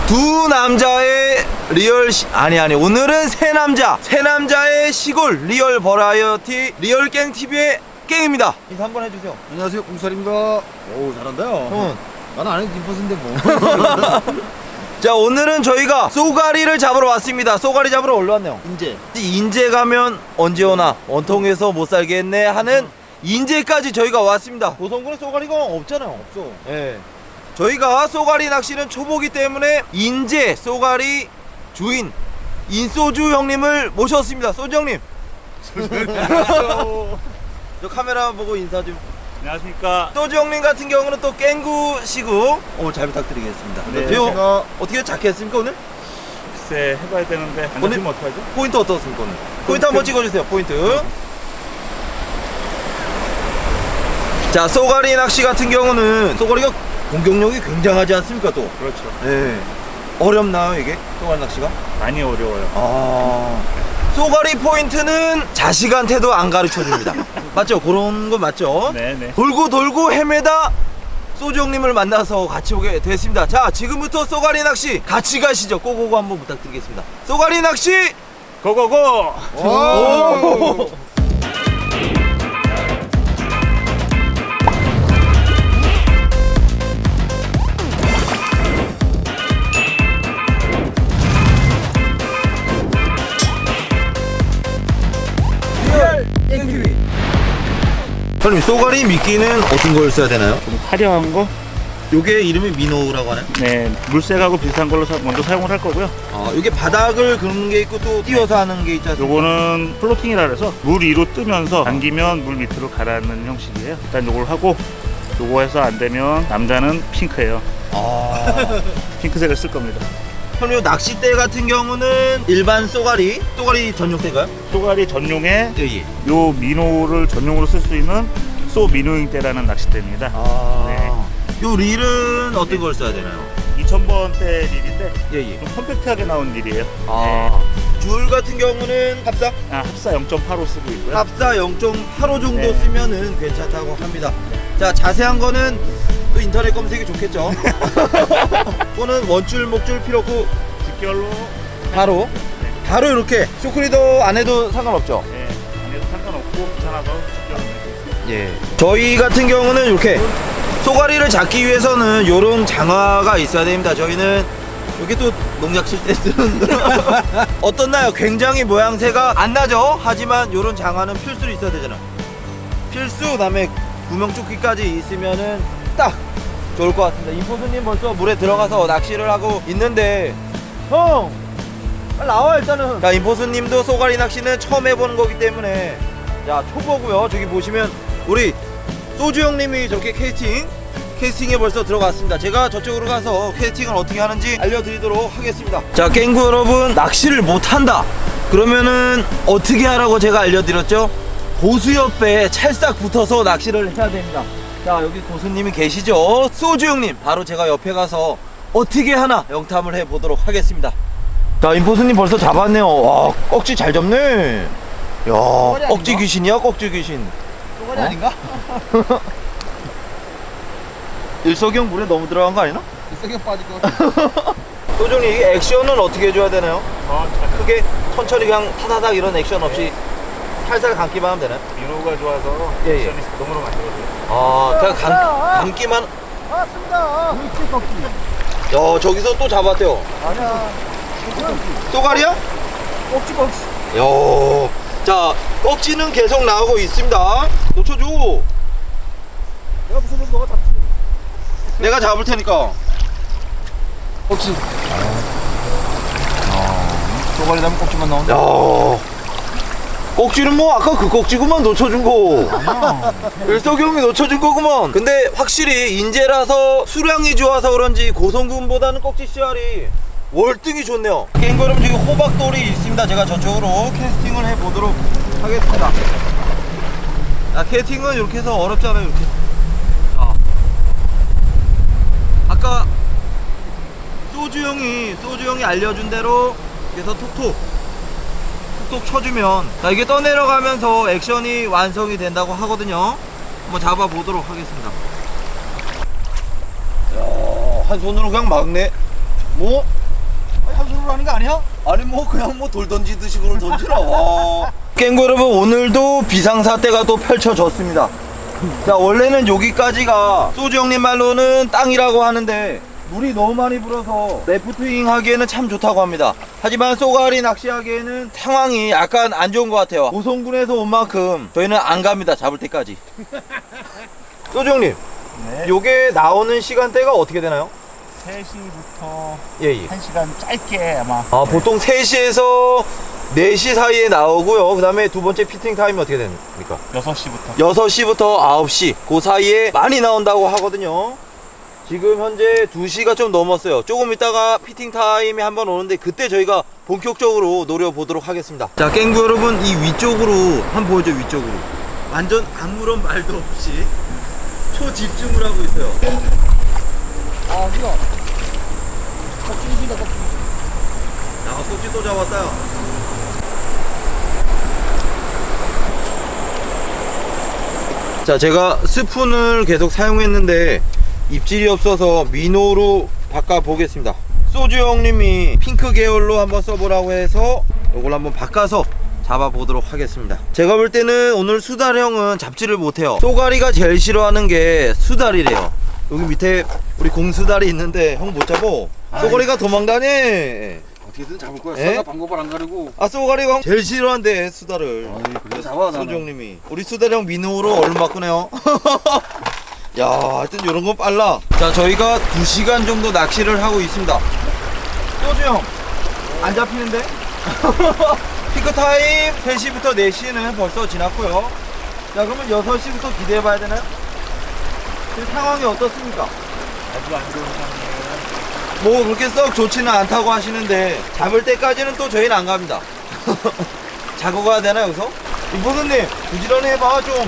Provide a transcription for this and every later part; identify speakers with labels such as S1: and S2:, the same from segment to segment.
S1: 두 남자의 리얼 오늘은 세 남자의 시골 리얼 버라이어티 리얼 깽 TV의 깽입니다. 인사 한번 해주세요.
S2: 안녕하세요, 공살입니다. 오, 잘한다요.
S1: 형은
S2: 나는 안 해도 김퍼스인데 뭐.
S1: 자, 오늘은 저희가 쏘가리를 잡으러 왔습니다. 쏘가리 잡으러 올라 왔네요. 인제 가면 언제 오나 원통에서 못 살겠네 하는 인제까지 저희가 왔습니다. 고성군에 쏘가리가 없잖아요.
S2: 없어.
S1: 예. 저희가 쏘가리 낚시는 초보기 때문에 인제 쏘가리 주인 인소주 형님을 모셨습니다. 소주 형님. 저 카메라 보고 인사 좀.
S3: 안녕하십니까.
S1: 소주 형님 같은 경우는 또 깽구시고 오늘 잘 부탁드리겠습니다.
S3: 네,
S1: 제가 어떻게 잡겠습니까 오늘?
S3: 글쎄 해봐야 되는데 안
S1: 오늘-
S3: 잡히면 어떡하죠?
S1: 포인트 어떻습니까 오늘? 포인트 한번 찍어주세요. 포인트. 자, 쏘가리 낚시 같은 경우는 쏘가리가 공격력이 굉장하지 않습니까 또?
S3: 그렇죠.
S1: 네. 어렵나요 이게? 쏘가리 낚시가?
S3: 많이 어려워요.
S1: 아, 쏘가리 포인트는 자식한테도 안 가르쳐 줍니다. 맞죠? 그런 거 맞죠?
S3: 네네.
S1: 돌고 헤매다 소주 형님을 만나서 같이 오게 됐습니다. 자, 지금부터 쏘가리 낚시 같이 가시죠. 고고고 한번 부탁드리겠습니다. 쏘가리 낚시
S3: 고고고!
S1: 오! 형님, 쏘가리 미끼는 어떤 걸 써야 되나요?
S3: 좀 화려한 거?
S1: 요게 이름이 민호라고 하나요?
S3: 네. 물색하고 비슷한 걸로 먼저 사용을 할 거고요.
S1: 아, 요게 바닥을 긋는 게 있고 또 띄워서 하는 게 있지 않습니까?
S3: 요거는 플로팅이라 그래서 물 위로 뜨면서 당기면 물 밑으로 가라앉는 형식이에요. 일단 요걸 하고 요거 해서 안 되면 남자는 핑크예요.
S1: 아.
S3: 핑크색을 쓸 겁니다.
S1: 형님, 요 낚싯대 같은 경우는 일반 쏘가리 전용대가요?
S3: 쏘가리 전용에
S1: 예.
S3: 요 민호를 전용으로 쓸 수 있는 쏘 민호잉 대라는 낚싯대입니다.
S1: 아.
S3: 네.
S1: 요 릴은 어떤 걸 써야 되나요?
S3: 2000번대 릴인데
S1: 예.
S3: 좀 컴팩트하게 나온 릴이에요.
S1: 아. 줄 같은 경우는 합사?
S3: 합사 0.85 쓰고 있고요.
S1: 합사 0.85 정도
S3: 네.
S1: 쓰면은 괜찮다고 합니다. 자, 자세한 거는 또 인터넷 검색이 좋겠죠. 또는 원줄, 목줄 필요 없고
S3: 직결로
S1: 바로 이렇게 쇼크리더 안 해도 상관없죠.
S3: 네, 안 해도 상관없고 귀찮아서 직결로 내고 있어요.
S1: 예. 저희 같은 경우는 이렇게 쏘가리를 잡기 위해서는 요런 장화가 있어야 됩니다. 저희는 여기 또 농약 칠 때 쓰는 어떻나요? 굉장히 모양새가 안 나죠? 하지만 요런 장화는 필수로 있어야 되잖아. 필수, 그다음에 구명조끼까지 있으면은 딱 좋을 것 같습니다. 임포수님 벌써 물에 들어가서 낚시를 하고 있는데 형! 빨리 나와 일단은. 자, 임포수님도 쏘가리 낚시는 처음 해보는 거기 때문에 자, 초보고요. 저기 보시면 우리 소주 형님이 저렇게 캐스팅에 벌써 들어갔습니다. 제가 저쪽으로 가서 캐스팅을 어떻게 하는지 알려드리도록 하겠습니다. 자, 깽구 여러분, 낚시를 못한다 그러면은 어떻게 하라고 제가 알려드렸죠? 고수 옆에 찰싹 붙어서 낚시를 해야 됩니다. 자, 여기 고수님이 계시죠? 소주 형님, 바로 제가 옆에 가서 어떻게 하나 영탐을 해보도록 하겠습니다. 자, 임포수님 벌써 잡았네요. 와, 꺽지 잘 잡네. 야, 꺽지 귀신이야, 꺽지 귀신.
S2: 쏘가리 아닌가?
S1: 일석이형 물에 너무 들어간 거 아니나?
S2: 일석이형 빠질 것 같아.
S1: 소중이 이게 액션은 어떻게 해줘야 되나요?
S3: 잘
S1: 크게 천천히 그냥 타다닥 이런 액션 없이 살살 감기만 하면 되나요?
S3: 민호가 좋아서
S1: 예.
S3: 액션이 자동으로 만들어져요.
S1: 아, 그냥 감기만.
S2: 맞습니다. 물질 꺾기.
S1: 야, 저기서 또 잡았대요.
S2: 아니야.
S1: 쏘가리야?
S2: 꺾지.
S1: 야, 자, 꺽지는 계속 나오고 있습니다. 놓쳐줘.
S2: 내가 무슨 놈 너가 잡지.
S1: 내가 잡을 테니까.
S2: 꺾지. 쏘가리 잡으면 꺾지만 나온다.
S1: 야, 꺽지는 뭐 아까 그 꺽지구만 놓쳐준 거. 일석이 형이 놓쳐준 거구만. 근데 확실히 인재라서 수량이 좋아서 그런지 고성군보다는 꺽지 씨알이 월등히 좋네요. 깽구 여러분, 저기 호박돌이 있습니다. 제가 저쪽으로 캐스팅을 해보도록 하겠습니다. 자, 캐스팅은 이렇게 해서 어렵잖아요. 이렇게. 자, 아까 소주 형이 알려준 대로 그래서 톡톡 쳐주면, 자, 이게 떠내려가면서 액션이 완성이 된다고 하거든요. 한번 잡아보도록 하겠습니다. 야, 한 손으로 그냥 막네.
S2: 뭐? 한 손으로 하는 거 아니야?
S1: 아니 뭐 그냥 뭐 돌 던지듯이 그걸 던지라. 깽구 여러분, 오늘도 비상사태가 또 펼쳐졌습니다. 자, 원래는 여기까지가 소주 형님 말로는 땅이라고 하는데 물이 너무 많이 불어서 래프팅 하기에는 참 좋다고 합니다. 하지만 쏘가리 낚시하기에는 상황이 약간 안 좋은 것 같아요. 고성군에서 온 만큼 저희는 안 갑니다, 잡을 때까지. 소주 형님,
S2: 네.
S1: 요게 나오는 시간대가 어떻게 되나요?
S3: 3시부터
S1: 예.
S3: 1시간 짧게 아마.
S1: 아, 보통 3시에서 4시 사이에 나오고요. 그 다음에 두 번째 피팅 타임이 어떻게 됩니까?
S3: 6시부터.
S1: 6시부터 9시 그 사이에 많이 나온다고 하거든요. 지금 현재 2시가 좀 넘었어요. 조금 있다가 피팅 타임이 한번 오는데 그때 저희가 본격적으로 노려보도록 하겠습니다. 자, 깽구 여러분, 이 위쪽으로 한번 보여줘. 위쪽으로 완전 아무런 말도 없이 초집중을 하고 있어요.
S2: 아, 이거. 껍질이다, 껍질.
S1: 야, 꼭지 또 잡았다. 자, 제가 스푼을 계속 사용했는데 입질이 없어서 민호로 바꿔보겠습니다. 소주 형님이 핑크 계열로 한번 써보라고 해서 이걸 한번 바꿔서 잡아보도록 하겠습니다. 제가 볼 때는 오늘 수달 형은 잡지를 못해요. 쏘가리가 제일 싫어하는 게 수달이래요. 여기 밑에 우리 공수달이 있는데 형 못 잡어. 쏘가리가 도망다녀.
S2: 어떻게든 잡을 거야.
S1: 에?
S2: 싸가 방법을 안 가리고.
S1: 아, 쏘가리가 제일 싫어한대 수달을.
S2: 아니, 그래 잡아,
S1: 소주 형님이. 우리 수달 형 민호로 얼른 바꾸네요. 야, 하여튼 요런 건 빨라. 자, 저희가 2시간 정도 낚시를 하고 있습니다. 소주 형, 안 잡히는데? 피크 타임 3시부터 4시는 벌써 지났고요. 자, 그러면 6시부터 기대해봐야 되나요? 지금 상황이 어떻습니까?
S3: 아주 안 좋은 상황이에요.
S1: 뭐 그렇게 썩 좋지는 않다고 하시는데 잡을 때까지는 또 저희는 안 갑니다. 자고 가야 되나 여기서? 이보드님 부지런히 해봐 좀.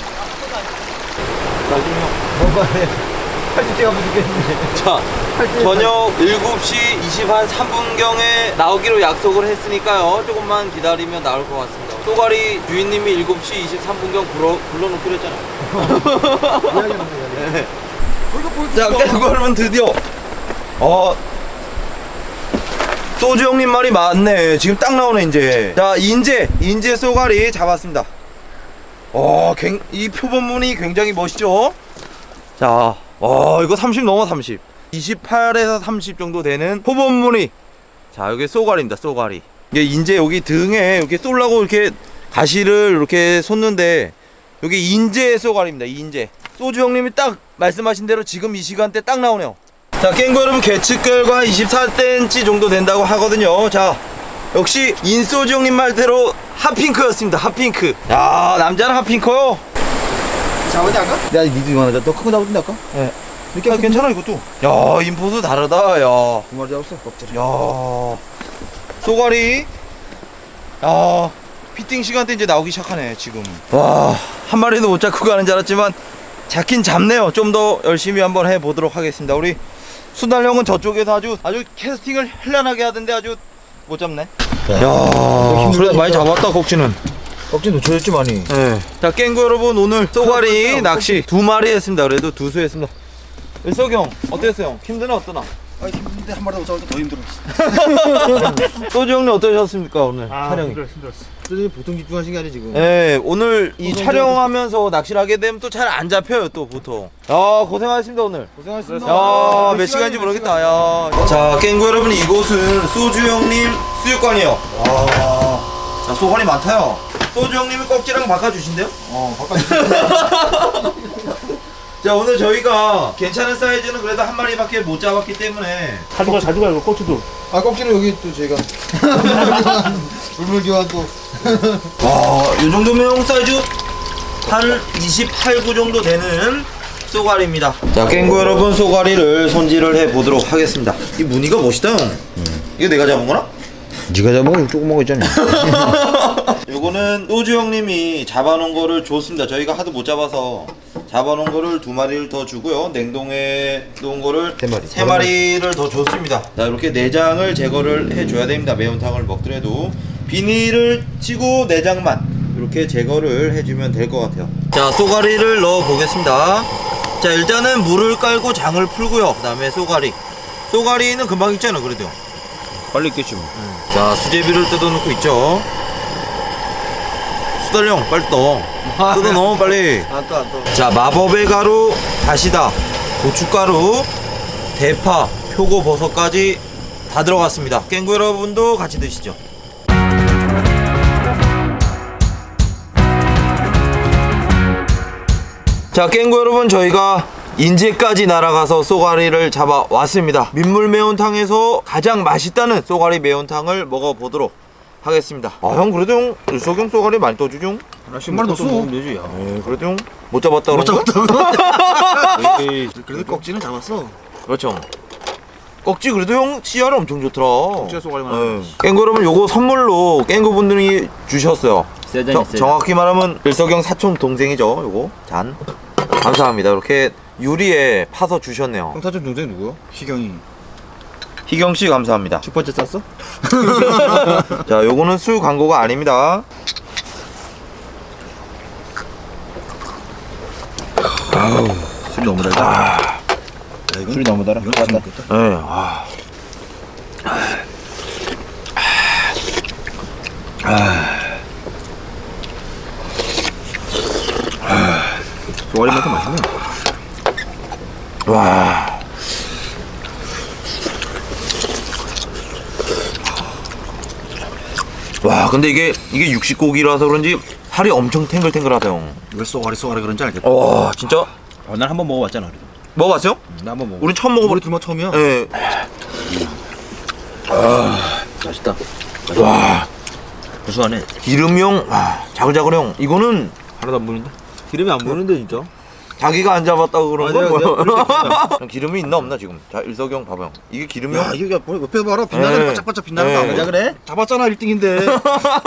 S1: 나중에 뭔가 해. 팔찌가 부족했는데. 자, 저녁 7시 23분경에 나오기로 약속을 했으니까요. 조금만 기다리면 나올 것 같습니다. 쏘가리 주인님이 7시 23분경 불러놓기로 했잖아요. 네. 자, 그러면 드디어 소주 형님 말이 맞네. 지금 딱 나오네 이제. 자, 인제 쏘가리 잡았습니다. 이 표본문이 굉장히 멋있죠. 자, 이거 30 넘어. 30 28에서 30 정도 되는 표본무늬. 자, 여기 쏘가리입니다. 쏘가리. 이게 인제 여기 등에 이렇게 쏠라고 이렇게 가시를 이렇게 솟는데 여기 인제 쏘가리입니다. 인제. 소주 형님이 딱 말씀하신 대로 지금 이 시간대 딱 나오네요. 자, 깽구 여러분, 계측결과 24cm 정도 된다고 하거든요. 자, 역시 인소주 형님 말대로 핫핑크였습니다. 핫핑크. 야, 남자는 핫핑크요.
S2: 잡았냐, 아까? 내가 니도 이만하자. 너 큰 거 잡았는데, 아까?
S1: 예. 이렇게 괜찮아 이것도. 야, 인포도 다르다. 야,
S2: 두 마리 잡았어, 껍질.
S1: 야, 쏘가리. 야, 피팅 시간대 이제 나오기 시작하네 지금. 와, 한 마리도 못 잡고 가는 줄 알았지만 잡긴 잡네요. 좀 더 열심히 한번 해보도록 하겠습니다. 우리 수달 형은 저쪽에서 아주 캐스팅을 현란하게 하던데 아주 못 잡네. 야, 그래도 많이 잡았다 꼭지는.
S2: 껍질 놓쳐졌지, 많이.
S1: 네. 자, 깽구 여러분, 오늘 쏘가리 낚시 2마리 했습니다. 그래도 2수 했습니다. 일석이 형 어땠어요? 힘드나 어떠나?
S2: 아, 힘든데 한 마리 더 잡을 때 더 힘들어.
S1: 소주 형님 어떠셨습니까 오늘 촬영이?
S3: 힘들었어.
S2: 선생님 보통 집중하신 게 아니 지금.
S1: 네, 오늘 이 촬영하면서 낚시를 하게 되면 또 잘 안 잡혀요 또 보통. 야, 고생하셨습니다 오늘.
S2: 고생하셨습니다.
S1: 야, 몇 시간인지 모르겠다. 야. 자, 깽구 여러분, 이곳은 소주 형님 수육관이요. 자, 소관이 많다요. 소주 형님이 꺽지랑 바꿔주신대요?
S2: 바꿔주세요.
S1: 자, 오늘 저희가 괜찮은 사이즈는 그래도 한 마리밖에 못 잡았기 때문에
S3: 가져가 이거 고추도.
S2: 아, 껍질은 여기 또 저희가. 물물 교환 또.
S1: 와, 이 정도면 형 사이즈 한 28, 9 정도 되는 쏘가리입니다. 자, 깽구 여러분, 쏘가리를 손질을 해 보도록 하겠습니다. 이 무늬가 멋있다 형. 이거 내가 잡은 거나?
S2: 네가 잡은 거 조그만 거 있잖아.
S1: 요거는 노주 형님이 잡아놓은 거를 줬습니다. 저희가 하도 못 잡아서 잡아놓은 거를 2마리를 더 주고요. 냉동에 놓은 거를 3마리를 더 줬습니다. 자, 이렇게 내장을 제거를 해줘야 됩니다. 매운탕을 먹더라도 비닐을 치고 내장만 이렇게 제거를 해주면 될 것 같아요. 자, 쏘가리를 넣어 보겠습니다. 자, 일단은 물을 깔고 장을 풀고요. 그 다음에 쏘가리 쏘가리는 금방 익잖아 그래도.
S2: 빨리 있겠지 뭐.
S1: 자 수제비를 뜯어놓고 있죠. 수달령 빨리 떠. 뜯어 넣어 빨리.
S2: 안 떠.
S1: 자 마법의 가루, 다시다, 고춧가루, 대파, 표고버섯까지 다 들어갔습니다. 깽구 여러분도 같이 드시죠. 자 깽구 여러분 저희가 인제까지 날아가서 쏘가리를 잡아왔습니다. 민물 매운탕에서 가장 맛있다는 쏘가리 매운탕을 먹어보도록 하겠습니다. 아 형 그래도 형 일석형 쏘가리 많이 떠주죠?
S2: 하나씩 한 마리 넣었어. 먹으면 되지. 야.
S1: 그래도 형 못 잡았다
S2: 못
S1: 그런 거야?
S2: 잡았다고. 에이, 그래도 꺽지는 잡았어.
S1: 그렇죠. 꺽지 그래도 형 씨알이 엄청 좋더라.
S2: 꺽지가 쏘가리만 하네.
S1: 깽구 여러분 요거 선물로 깽구 분들이 주셨어요.
S2: 세잔이
S1: 정확히 말하면 일석형 사촌 동생이죠. 요거 잔 감사합니다. 이렇게 유리에 파서 주셨네요.
S2: 형 사촌 동생 누구야? 희경이.
S1: 희경 씨 감사합니다.
S2: 첫 번째 쌌어?
S1: 자 요거는 술 광고가 아닙니다.
S2: 아우, 술 너무 달다. 야, 이건 술이 너무 달아. 이건 같이 먹겠다.
S1: 네.
S2: 쏘가리만큼 맛있네.
S1: 와. 와 근데 이게 육식고기라서 그런지 살이 엄청 탱글탱글하다 형.
S2: 왜 쏘가리 그런지 알겠다.
S1: 와 진짜
S2: 난 한 번 먹어봤잖아. 그래도.
S1: 먹어봤어요?
S2: 나 한 번 먹어.
S1: 우린 처음 먹어봤.
S2: 우리 둘만 처음이야.
S1: 예.
S2: 맛있다.
S1: 와
S2: 구수하네.
S1: 기름형 자글자글형 이거는
S2: 하나도 안 보이는데? 기름이 안 보이는데 진짜?
S1: 자기가 안 잡았다고 그런
S2: 내가
S1: 거?
S2: 그렇게
S1: 형, 기름이 있나 없나 지금? 자 일석형 봐봐요. 이게 기름이요?
S2: 야 이게 옆에 봐라. 빛나는
S1: 네.
S2: 반짝반짝 빛나는
S1: 네.
S2: 거 아니야 그래? 잡았잖아 1등인데.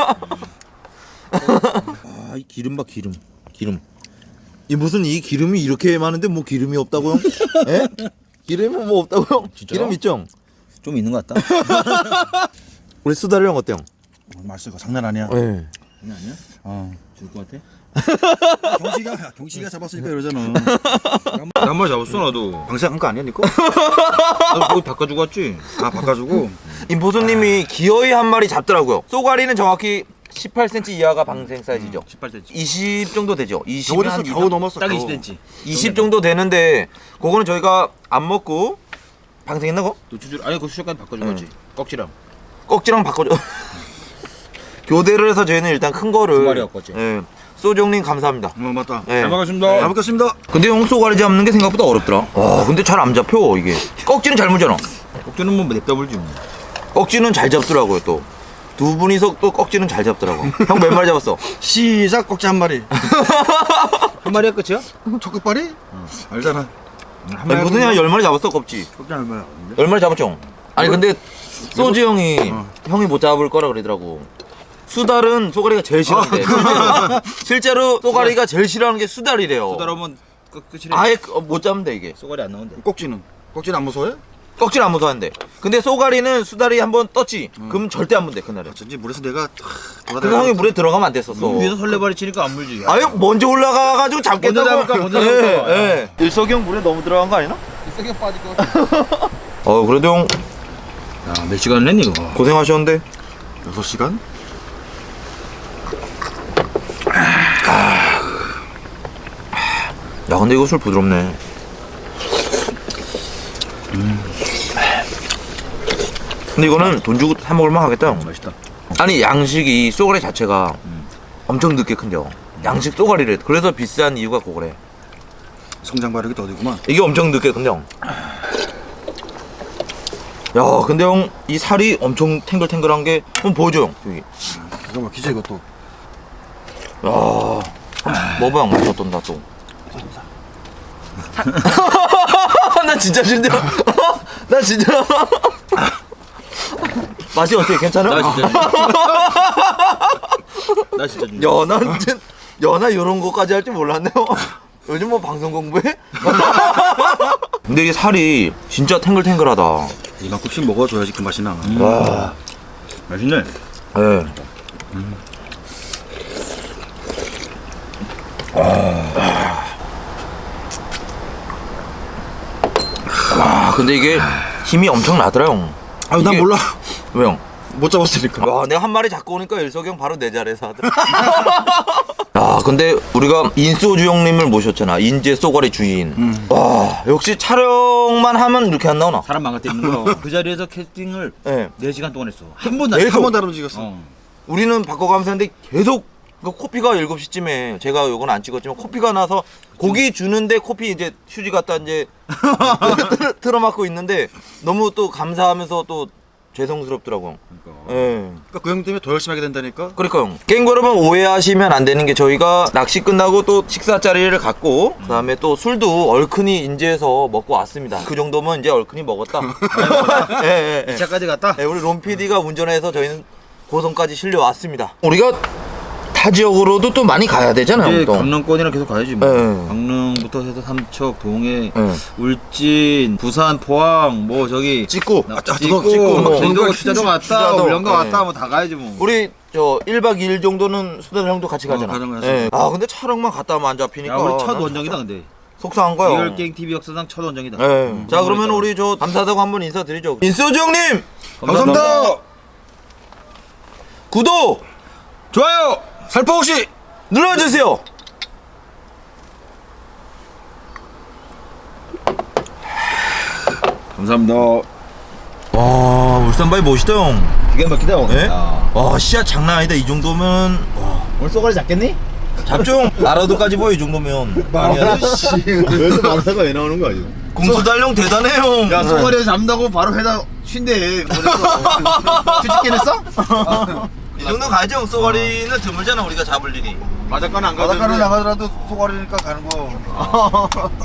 S2: 아이 기름 봐 기름.
S1: 이 무슨 이 기름이 이렇게 많은데 뭐 기름이 없다고 형? 예? 기름이 뭐 없다고 형?
S2: 진짜?
S1: 기름 있죠?
S2: 좀 있는 것 같다.
S1: 우리 수다리 형 어때요?
S2: 맛있어. 장난 아니야.
S1: 예.
S2: 장난 아니야? 죽을 것 같아? 경식이가 잡았으니까 이러잖아. 한 마리 잡았어 나도. 방생한 거 아니야 니꺼? 나도 거기 바꿔주고 왔지. 바꿔주고.
S1: 임보수님이 기어이 한 마리 잡더라고요. 쏘가리는 정확히 18cm 이하가 방생 사이즈죠.
S2: 18cm.
S1: 20 정도 되죠. 20
S2: 겨울에서 겨우 넘었어. 딱 20cm.
S1: 20 정도 되는데 그거는 저희가 안 먹고 방생했나 거?
S2: 노출줄 아니 그 수족까지 바꿔주고 왔지. 꺽지랑.
S1: 꺽지랑 바꿔줘. 교대를 해서 저희는 일단 큰 거를
S2: 두 마리 갖고 왔지.
S1: 예. 소정님 감사합니다.
S2: 맞다.
S1: 네.
S2: 잘 먹겠습니다. 잘 먹겠습니다.
S1: 근데 형 쏘가리 잡는 게 생각보다 어렵더라. 와 근데 잘 안 잡혀 이게. 꺽지는 잘 물잖아.
S2: 꺽지는 뭐 냅다 불지 뭐.
S1: 꺽지는 잘 잡더라고요 또. 두 분이서 또 꺽지는 잘 잡더라고. 형 몇 마리 잡았어?
S2: 시작 꺽지 한 마리. 한 마리가 끝이야? 첫 끝발이? 알잖아.
S1: 아니, 무슨 형 10마리 잡았어 꺽지.
S2: 꺽지 얼마야?
S1: 10마리 잡았죠? 아니 근데 소주 형이 형이 못 잡을 거라 그러더라고. 수달은 쏘가리가 제일 싫어한대. 실제로 쏘가리가 제일 싫어하는 게 수달이래요.
S2: 따라오면 끝이래.
S1: 아예 못 잡는데 이게.
S2: 쏘가리 안 나온대. 꺽지는 안 무서워해?
S1: 꺽지는 안 무서워하는데. 근데 쏘가리는 수달이 한번 떴지. 그럼 절대 안 문대 그날에.
S2: 전지 물에서 내가
S1: 그래서 형이 물에 들어가면 안 됐었어.
S2: 위에서 설레발이 치니까 안 물지.
S1: 아유 먼저 올라가가지고 잡겠다고.
S2: 먼저 잡을까?
S1: 예. 일석이 형 물에 너무 들어간 거 아니나?
S2: 세게 빠질 것 같아.
S1: 그래도 형
S2: 야, 몇 시간 했니 이거?
S1: 고생하셨는데.
S2: 6시간?
S1: 야 근데 이거 술 부드럽네. 근데 이거는 돈 주고 사 먹을만 하겠다 형.
S2: 맛있다.
S1: 아니 양식이 쏘가리 자체가 엄청 늦게 큰겨. 양식 쏘가리래. 그래서 비싼 이유가 그거래.
S2: 성장 발육이 더디구만.
S1: 이게 엄청 늦게 큰데 형. 야 근데 형 이 살이 엄청 탱글탱글한 게 한번 보여줘 형 여기.
S2: 이거 막히지 이것도.
S1: 야 먹어봐 형 맛이 어떤다 또. 나 진짜 싫다. 나 진짜. 맛이 어때? 괜찮아?
S2: 나 진짜. 나 진짜.
S1: 연하 이런 거까지 할 줄 몰랐네요. 요즘 뭐 방송 공부해? 근데 이게 살이 진짜 탱글탱글하다.
S2: 이만큼씩 먹어줘야지 그 맛이 나.
S1: 와,
S2: 맛있네.
S1: 예. 와, 근데 이게 힘이 엄청 나더라 형.
S2: 난
S1: 이게-
S2: 몰라.
S1: 왜 형?
S2: 못 잡았으니까.
S1: 와 내가 한 마리 잡고 오니까 일석이 형 바로 내 자리에서 하더라. 야 근데 우리가 인소주 형님을 모셨잖아. 인제 쏘가리 주인. 와 역시 촬영만 하면 이렇게 안 나오나?
S2: 사람 망갈 때 있는 거. 그 자리에서 캐스팅을
S1: 네.
S2: 4시간 동안 했어. 한 번도
S1: 계속?
S2: 한 번도 안 움직였어.
S1: 우리는 바꿔가면서 했는데 계속 그 코피가 7시쯤에 제가 요건 안 찍었지만 코피가 나서 고기 주는데 코피 이제 휴지 갖다 이제 틀어막고 있는데 너무 또 감사하면서 또 죄송스럽더라고.
S2: 그러니까.
S1: 예.
S2: 그러니까 그 형 때문에 더 열심히 하게 된다니까.
S1: 그러니까요. 게임거 여러분 오해하시면 안 되는 게 저희가 낚시 끝나고 또 식사 자리를 갖고 그다음에 또 술도 얼큰이 인제에서 먹고 왔습니다. 그 정도면 이제 얼큰이 먹었다. 예, 예, 예.
S2: 2차까지 갔다.
S1: 네, 우리 롬 PD가 운전해서 저희는 고성까지 실려왔습니다. 우리가 타 지역으로도 또 많이 가야 되잖아요.
S2: 이제
S1: 또.
S2: 강릉권이랑 계속 가야지 뭐.
S1: 네.
S2: 강릉부터 해서 삼척, 동해,
S1: 네.
S2: 울진, 부산, 포항, 뭐 저기
S1: 찍고
S2: 찍고,
S1: 뭐,
S2: 제주도 추자도 갔다,
S1: 추자도,
S2: 울릉도
S1: 네.
S2: 갔다, 뭐 다 가야지 뭐.
S1: 우리 저 1박 2일 정도는 수달 형도 같이 가잖아.
S2: 가는 거야,
S1: 예. 아 근데 촬영만 갔다 오면 안 잡히니까.
S2: 야, 우리 첫
S1: 난
S2: 원정이다 근데.
S1: 속상한 거야.
S2: 리얼 게임 TV 역사상 첫 원정이다.
S1: 예. 자 그러면 우리 저 감사하다고 한번 인사드리죠. 인소주 형님
S2: 감사합니다.
S1: 구독
S2: 좋아요. 살포시.
S1: 눌러주세요.
S2: 감사합니다.
S1: 와 울산바위 멋있다 형.
S2: 기가 막히다 오늘.
S1: 예? 와 씨앗 장난 아니다. 이 정도면 와.
S2: 오늘 쏘가리 잡겠니?
S1: 잡죠 형. 마라도까지 보여 이 정도면. 아니야.
S2: 여기서 마라사가 왜 나오는 거야 지금?
S1: 공수달령 대단해 형.
S2: 야 쏘가리 잡는다고 바로 회다 쉰대. 휴직긴 했어?
S1: 이 정도 가야지 형. 쏘가리는 드물잖아 우리가 잡을 일이.
S2: 바닷가는 안 가도
S4: 바닷가를 나가더라도 소가리니까 가는 거.